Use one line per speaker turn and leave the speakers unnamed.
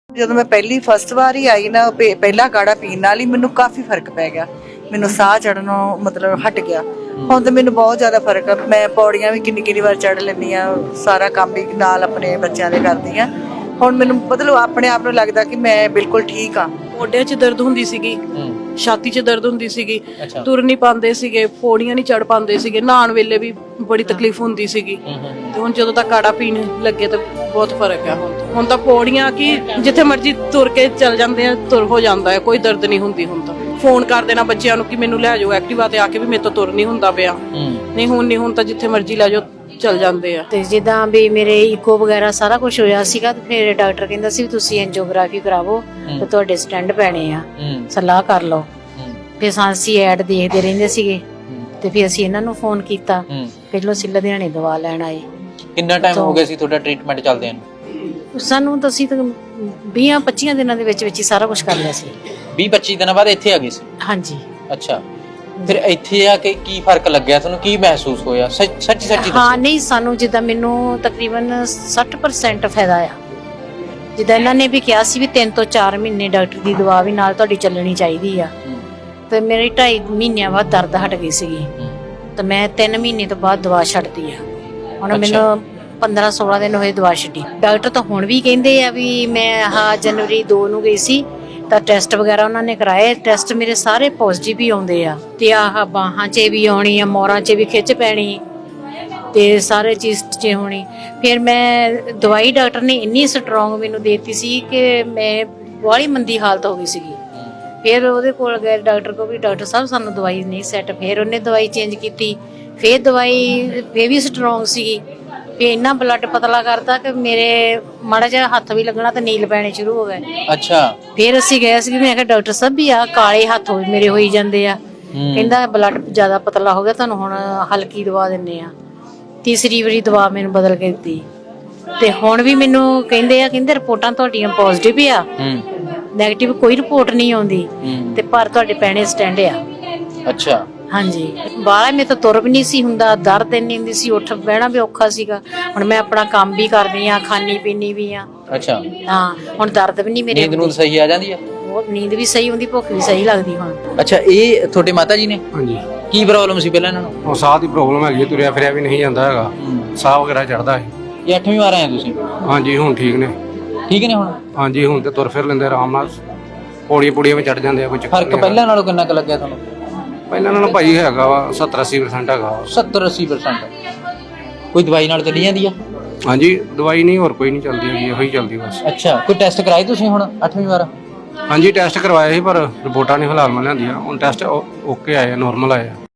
ਜਦੋਂ ਮੈਂ ਫਸਟ ਵਾਰ ਹੀ ਆਈ ਨਾ ਪਹਿਲਾ ਕਾੜਾ ਪੀਣ ਨਾਲ ਹੀ ਮੈਨੂੰ ਕਾਫੀ ਫਰਕ ਪੈ ਗਿਆ। ਮੈਨੂੰ ਸਾਹ ਚੜਨੋਂ ਮਤਲਬ ਹਟ ਗਿਆ। ਹੁਣ ਤਾਂ ਮੈਨੂੰ ਬਹੁਤ ਜ਼ਿਆਦਾ ਫਰਕ ਆ। ਮੈਂ ਪੌੜੀਆਂ ਵੀ ਕਿੰਨੀ ਵਾਰ ਚੜ ਲੈਂਦੀ ਆ। ਸਾਰਾ ਕੰਮ ਵੀ ਨਾਲ ਆਪਣੇ ਬੱਚਿਆਂ ਦੇ ਕਰਦੀ ਆ। ਹੁਣ ਮੈਨੂੰ ਮਤਲਬ ਆਪਣੇ ਆਪ ਨੂੰ ਲੱਗਦਾ ਕਿ ਮੈਂ ਬਿਲਕੁਲ ਠੀਕ ਆ।
ਮੋਢਿਆਂ 'ਚ ਦਰਦ ਹੁੰਦੀ ਸੀਗੀ, ਛਾਤੀ 'ਚ ਦਰਦ ਹੁੰਦੀ ਸੀਗੀ, ਤੁਰ ਨਹੀਂ ਪਾਉਂਦੇ ਸੀਗੇ, ਪੌੜੀਆਂ ਨਹੀਂ ਚੜ ਪਾਉਂਦੇ ਸੀਗੇ, ਨਹਾਉਣ ਵੇਲੇ ਵੀ ਬੜੀ ਤਕਲੀਫ ਹੁੰਦੀ ਸੀਗੀ। ਤੇ ਹੁਣ ਜਦੋਂ ਤੱਕ ਕਾੜਾ ਪੀਣ ਲੱਗੇ ਤਾਂ ਬਹੁਤ ਫਰਕ ਆ। ਹੁਣ ਤਾਂ ਪੌੜੀਆਂ ਕਿ ਜਿੱਥੇ ਮਰਜ਼ੀ ਤੁਰ ਕੇ ਚੱਲ ਜਾਂਦੇ ਆ, ਤੁਰ ਹੋ ਜਾਂਦਾ ਹੈ, ਕੋਈ ਦਰਦ ਨਹੀਂ ਹੁੰਦੀ। ਹੁਣ ਤਾਂ ਫੋਨ ਕਰ ਦੇਣਾ ਬੱਚਿਆਂ ਨੂੰ ਕਿ ਮੈਨੂੰ ਲੈ ਜਾਓ ਐਕਟਿਵਾ ਤੇ ਆ ਕੇ, ਵੀ ਮੇਰੇ ਤੋਂ ਤੁਰ ਨਹੀਂ ਹੁੰਦਾ ਪਿਆ। ਨਹੀਂ ਹੁਣ ਤਾਂ ਜਿੱਥੇ ਮਰਜ਼ੀ ਲੈ ਜਾਓ ਚੱਲ ਜਾਂਦੇ ਆ।
ਤੇ ਜਿੱਦਾਂ ਵੀ ਮੇਰੇ ਇਕੋ ਵਗੈਰਾ ਸਾਰਾ ਕੁਝ ਹੋਇਆ ਸੀਗਾ ਤੇ ਫਿਰ ਡਾਕਟਰ ਕਹਿੰਦਾ ਸੀ ਵੀ ਤੁਸੀਂ ਐਂਜੀਓਗ੍ਰਾਫੀ ਕਰਾਵੋ ਤੇ ਤੁਹਾਡੇ ਸਟੈਂਡ ਪੈਣੇ ਆ, ਸਲਾਹ ਕਰ ਲਓ। ਫਿਰ ਅਸੀਂ ਐਡ ਦੇਖਦੇ ਰਹਿੰਦੇ ਸੀਗੇ ਤੇ ਫਿਰ ਅਸੀਂ ਇਹਨਾਂ ਨੂੰ ਫੋਨ ਕੀਤਾ। ਪਹਿਲਾਂ ਅਸੀਂ ਲੁਧਿਆਣੇ ਦਵਾ ਲੈਣ ਆਏ।
ਕਿੰਨਾ ਟਾਈਮ ਹੋ ਗਿਆ ਸੀ ਤੁਹਾਡਾ ਟ੍ਰੀਟਮੈਂਟ ਚੱਲਦਿਆਂ ਨੂੰ?
ਸਾਨੂੰ ਤਾਂ ਅਸੀਂ 20-25 ਦਿਨਾਂ ਦੇ ਵਿੱਚ ਹੀ ਸਾਰਾ ਕੁਝ ਕਰ ਲਿਆ ਸੀ।
20-25 ਦਿਨਾਂ ਬਾਅਦ ਇੱਥੇ ਆ ਗਏ ਸੀ?
ਹਾਂਜੀ।
ਅੱਛਾ, ਫਿਰ ਇੱਥੇ ਆ ਕੇ ਕੀ ਫਰਕ ਲੱਗਿਆ ਤੁਹਾਨੂੰ? ਕੀ ਮਹਿਸੂਸ ਹੋਇਆ ਸੱਚੀ?
ਹਾਂ, ਨਹੀਂ ਸਾਨੂੰ ਜਿੱਦਾਂ ਮੈਨੂੰ ਤਕਰੀਬਨ 60% ਫਾਇਦਾ ਆ। ਜਿੱਦਾਂ ਇਹਨਾਂ ਨੇ ਵੀ ਕਿਹਾ ਸੀ ਵੀ 3 ਤੋਂ 4 ਮਹੀਨੇ ਡਾਕਟਰ ਦੀ ਦਵਾ ਵੀ ਨਾਲ ਤੁਹਾਡੀ ਚੱਲਣੀ ਚਾਹੀਦੀ ਆ। ਤੇ ਮੇਰੀ 2.5 ਮਹੀਨਿਆਂ ਬਾਅਦ ਦਰਦ ਹਟ ਗਈ ਸੀਗੀ ਤੇ ਮੈਂ 3 ਮਹੀਨੇ ਤੋਂ ਬਾਅਦ ਦਵਾ ਛੱਡਤੀ ਆ। ਹੁਣ ਮੈਨੂੰ 15-16 ਦਿਨ ਹੋਏ ਦਵਾ ਛੱਡੀ। ਡਾਕਟਰ ਤਾਂ ਹੁਣ ਵੀ ਕਹਿੰਦੇ ਆ ਵੀ ਮੈਂ ਜਨਵਰੀ 2 ਨੂੰ ਗਈ ਸੀ ਤਾਂ ਟੈਸਟ ਵਗੈਰਾ ਉਹਨਾਂ ਨੇ ਕਰਾਏ। ਟੈਸਟ ਮੇਰੇ ਸਾਰੇ ਪੋਜ਼ਿਟਿਵ ਹੀ ਆਉਂਦੇ ਆ ਤੇ ਬਾਹਾਂ 'ਚ ਵੀ ਆਉਣੀ ਆ, ਮੋਰਾਂ 'ਚ ਵੀ ਖਿੱਚ ਪੈਣੀ ਤੇ ਸਾਰੇ ਚੀਜ਼ 'ਚ ਹੋਣੀ। ਫਿਰ ਮੈਂ ਦਵਾਈ ਡਾਕਟਰ ਨੇ ਇੰਨੀ ਸਟਰੋਂਗ ਮੈਨੂੰ ਦੇ ਦਿੱਤੀ ਸੀ ਕਿ ਮੈਂ ਬਾਹਲੀ ਮੰਦੀ ਹਾਲਤ ਹੋ ਗਈ ਸੀਗੀ। ਫਿਰ ਉਹਦੇ ਕੋਲ ਗਏ ਡਾਕਟਰ ਕੋਲ ਵੀ, ਡਾਕਟਰ ਸਾਹਿਬ ਸਾਨੂੰ ਦਵਾਈ ਨਹੀਂ ਸੈੱਟ। ਫਿਰ ਉਹਨੇ ਦਵਾਈ ਚੇਂਜ ਕੀਤੀ। ਫਿਰ ਦਵਾਈ ਫੇਰ ਵੀ ਸਟਰੋਂਗ ਸੀਗੀ। ਫਿਰ ਇੰਨਾ ਬਲੱਡ ਪਤਲਾ ਕਰਤਾ ਕਿ ਮੇਰੇ ਮਾੜਾ ਜਿਹਾ ਹੱਥ ਵੀ ਲੱਗਣਾ ਤੇ ਨੀਲ ਪੈਣੇ ਸ਼ੁਰੂ ਹੋ ਗਏ।
ਅੱਛਾ।
ਫਿਰ ਅਸੀਂ ਗਏ ਸੀ, ਮੈਂ ਕਿਹਾ ਡਾਕਟਰ ਸਾਹਿਬ ਵੀ ਆ ਕਾਲੇ ਹੱਥ ਮੇਰੇ ਹੋਈ ਜਾਂਦੇ ਆ। ਕਹਿੰਦਾ ਬਲੱਡ ਜ਼ਿਆਦਾ ਪਤਲਾ ਹੋ ਗਿਆ, ਤੁਹਾਨੂੰ ਹੁਣ ਹਲਕੀ ਦਵਾ ਦਿੰਨੇ ਆ। ਤੀਸਰੀ ਵਾਰੀ ਦਵਾ ਮੈਨੂੰ ਬਦਲ ਕੇ ਦਿੱਤੀ ਤੇ ਹੁਣ ਵੀ ਮੈਨੂੰ ਕਹਿੰਦੇ ਰਿਪੋਰਟਾਂ ਤੁਹਾਡੀਆਂ ਪੋਜ਼ਿਟਿਵ ਆ, ਨੈਗੇਟਿਵ ਕੋਈ ਰਿਪੋਰਟ ਨਹੀਂ ਆਉਂਦੀ ਤੇ ਪਰ ਤੁਹਾਡੇ ਪੈਣੇ ਸਟੈਂਡ ਆ।
ਅੱਛਾ। ਹਾਂਜੀ।
ਬਾਹਲਾ ਮੇਰੇ ਤੋਂ ਤੁਰ ਵੀ ਨਹੀਂ ਸੀ ਹੁੰਦਾ, ਦਰਦ ਇੰਨੀ ਹੁੰਦੀ ਸੀ, ਉੱਠ ਬਹਿਣਾ ਵੀ ਔਖਾ ਸੀਗਾ। ਹੁਣ ਮੈਂ ਆਪਣਾ ਕੰਮ ਵੀ ਕਰਦੀ ਆ, ਖਾਣੀ ਪੀਣੀ ਵੀ ਆ।
ਅੱਛਾ।
ਹਾਂ, ਹੁਣ ਦਰਦ ਵੀ ਨਹੀਂ ਮੇਰੇ।
ਨੀਂਦ ਨੂੰ ਸਹੀ ਆ ਜਾਂਦੀ ਆ?
ਨੀਂਦ ਵੀ ਸਹੀ ਹੁੰਦੀ, ਭੁੱਖ ਵੀ ਸਹੀ ਲੱਗਦੀ ਹੁਣ।
ਅੱਛਾ, ਇਹ ਤੁਹਾਡੇ ਮਾਤਾ ਜੀ ਨੇ?
ਹਾਂਜੀ।
ਕੀ ਪ੍ਰੋਬਲਮ ਸੀ ਪਹਿਲਾਂ ਇਹਨਾਂ ਨੂੰ?
ਉਹ ਸਾਹ ਦੀ ਪ੍ਰੋਬਲਮ ਹੈਗੀ, ਤੁਰਿਆ ਫਿਰਿਆ ਵੀ ਨਹੀਂ ਜਾਂਦਾ ਹੈਗਾ, ਸਾਹ ਵਗੈਰਾ ਚੜਦਾ ਹੈ।
ਇਹ 8ਵੀਂ ਵਾਰ ਆਏ ਤੁਸੀਂ?
ਹਾਂਜੀ, ਹੁਣ ਠੀਕ ਨੇ।
ਠੀਕ ਨੇ ਹੁਣ?
ਹਾਂਜੀ, ਹੁਣ ਤੇ ਤੁਰ ਫਿਰ ਲੈਂਦੇ ਆਰਾਮ ਨਾਲ, ਪੌੜੀਆਂ ਵਿੱਚ ਚੜ ਜਾਂਦੇ ਆ। ਕੋਈ
ਫਰਕ ਪਹਿਲਾਂ ਨਾਲੋਂ ਕਿੰਨਾ ਕੁ ਲੱਗਿਆ ਤੁਹਾਨੂੰ?
ਪਹਿਲਾਂ ਨਾਲੋਂ ਭਾਈ ਹੈਗਾ ਵਾ 70-80% ਹੈਗਾ।
70-80%? ਕੋਈ ਦਵਾਈ ਨਾਲ ਚੱਲੀ ਜਾਂਦੀ ਆ?
ਹਾਂਜੀ, ਦਵਾਈ ਨਹੀਂ, ਹੋਰ ਕੋਈ ਨਹੀਂ ਚੱਲਦੀ ਹੈਗੀ, ਇਹੋ ਹੀ ਚੱਲਦੀ ਬਸ।
ਅੱਛਾ, ਕੋਈ ਟੈਸਟ ਕਰਾਏ ਤੁਸੀਂ ਹੁਣ 8ਵੀਂ ਵਾਰ?
ਹਾਂਜੀ, ਟੈਸਟ ਕਰਵਾਏ ਸੀ ਪਰ ਰਿਪੋਰਟਾਂ ਨਹੀਂ ਫਿਲਹਾਲ ਮੈਂ ਲਿਆਂਦੀਆਂ। ਹੁਣ ਟੈਸਟ ਓਕੇ ਆਏ ਆ, ਨੋਰਮਲ ਆਏ ਆ।